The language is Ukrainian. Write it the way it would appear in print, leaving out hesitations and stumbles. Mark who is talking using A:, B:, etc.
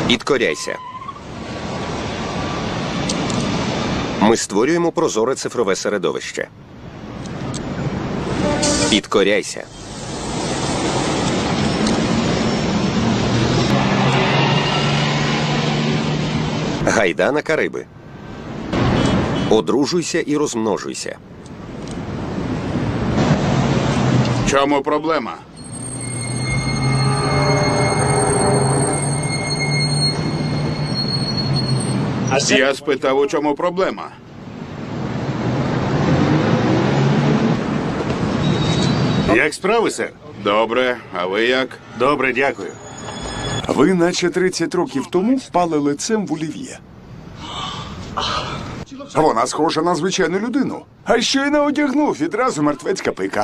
A: Підкоряйся. Ми створюємо прозоре цифрове середовище. Підкоряйся. Гайда на Кариби. Одружуйся і розмножуйся.
B: Чому проблема? Я спитав, у чому проблема?
C: Як справи, сер?
B: Добре, а ви як?
C: Добре, дякую.
D: Ви наче 30 років тому впали лицем в олів'є. Вона схожа на звичайну людину. А щойно одягнув відразу мертвецька пика.